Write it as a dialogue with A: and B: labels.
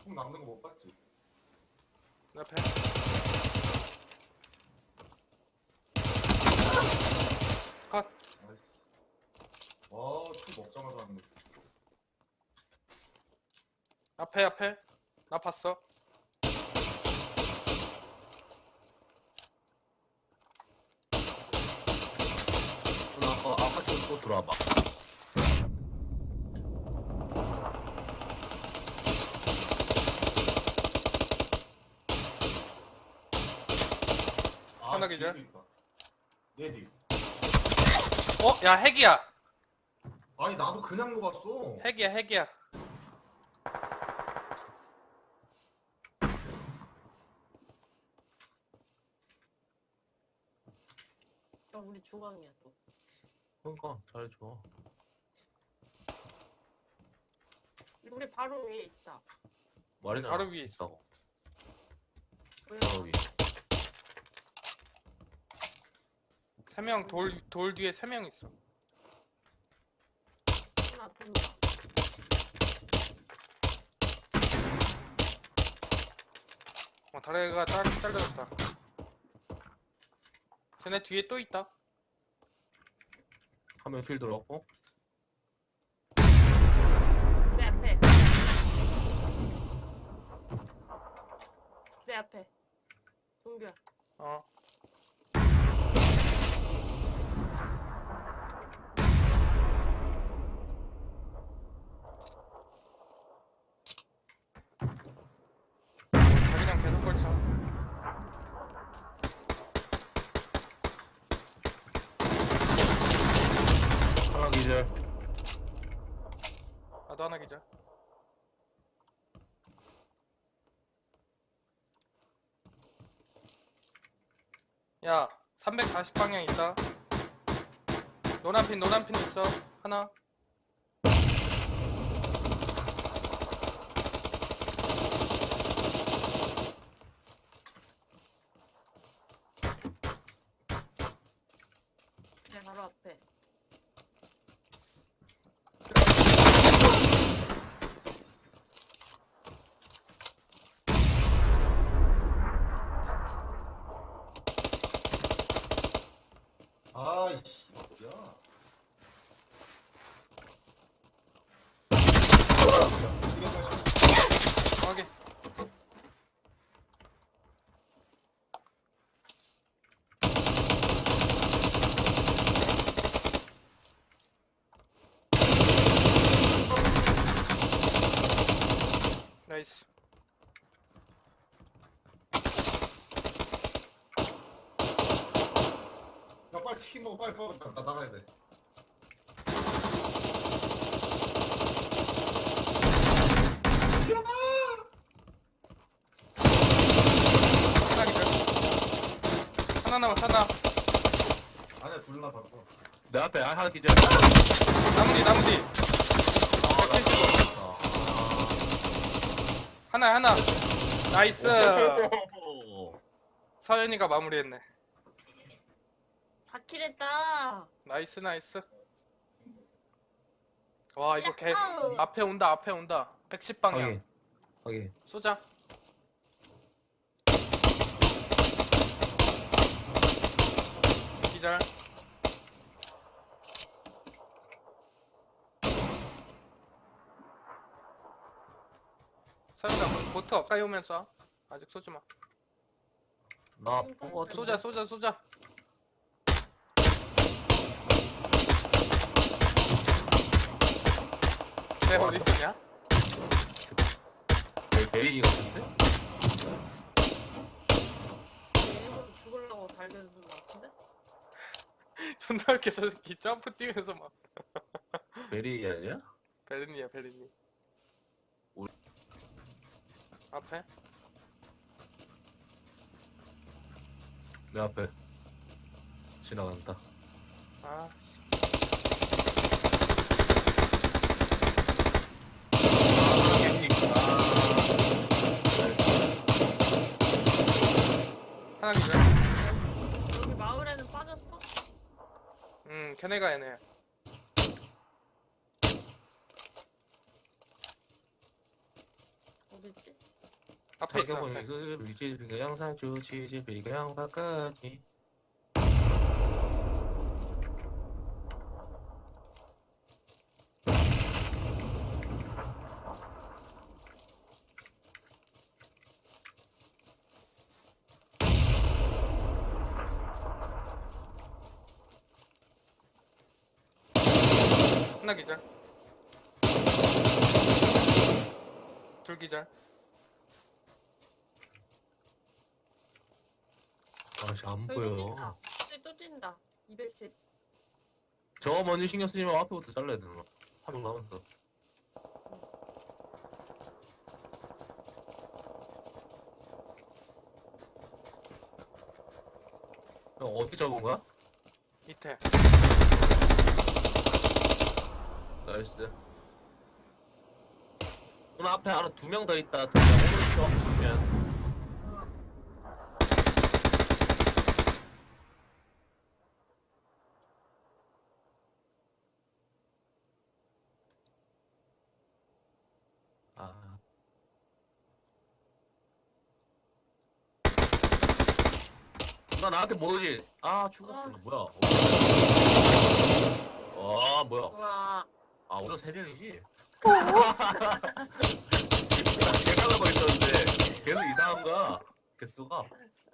A: 총 남는 거 못 봤지?
B: 내 앞에. 컷.
A: 총 먹자마자 왔네.
B: 앞에. 나 봤어.
C: 아까 또 들어와봐.
B: 하나 기절.
A: 뒤에도 있다. 얘 뒤.
B: 야, 핵이야.
A: 아니 나도 그냥 녹았어.
B: 핵이야.
D: 우리 중앙이야 또.
C: 그러니까 잘해줘.
D: 우리 바로 위에 있다.
C: 말이잖아.
B: 바로 위에 있어.
D: 왜?
C: 바로 위에.
B: 3명 돌 뒤에 3명 있어.
D: 하나 돈다.
B: 다리가 잘려졌다. 쟤네 뒤에 또 있다.
C: 한 명 킬 들어왔고.
D: 내 앞에. 내 앞에. 동규야.
B: 자기장 계속 걸쳐.
C: 하나 기절.
B: 나도 하나 기자. 야, 340방향 있다. 노란핀 있어. 하나.
D: 내 바로 앞에.
A: 아이씨. 야. 이게 다시.
B: 확인. 나이스.
A: 야 빨리 치킨 먹어 빨리 나 나가야 돼.
B: 하나 기자. 하나 남았어. 하나.
A: 아니야 둘 남았어.
C: 내 앞에 하나 기절.
B: 나무 뒤. 하나. 나이스. 서연이가 마무리했네.
D: 4킬 했다.
B: 나이스. 와, 이거 앞에 온다. 110방향.
C: 확인.
B: 쏘자. 기절. 서연아, 보트 가까이 오면 쏴. 아직 쏘지 마.
C: 나 뽕거
B: 쏘자. 쟤 어디 있었냐?
C: 베린이 같은데?
D: 일부러 죽으려고 달려드는 것 같은데?
B: 존나 이렇게 저 새끼 점프 뛰면서 막.
C: 베린이 아니야?
B: 베르니야.
C: 우리-
B: 앞에.
C: 내 앞에 지나간다.
B: 아, 하나 기절.
D: 여기 마을에는 빠졌어?
B: 걔네가 얘네.
D: 어디 어딨지?
B: 앞에 있어.
C: 자격은
B: 앞에.
C: 그 위치가 항상 좋지 집이가 양바까지.
B: 하나 기절. 둘 기절.
C: 아씨 안
D: 여기
C: 보여.
D: 뛴다. 또 뛴다. 210.
C: 저 먼저 신경 쓰지 말고 앞에부터 잘라야 되나? 한 명 남았어. 형 어디 잡은 거야?
B: 밑에.
C: 나이스. 누나 앞에 하나 2명 더 있다. 오른쪽 보면. 아. 나 나한테 뭐 오지? 아 죽었어. 뭐야? 와 뭐야?
D: 우와.
C: 아 우리가 3명이지? 계산하고 있었는데 계속 이상한 거야 개수가.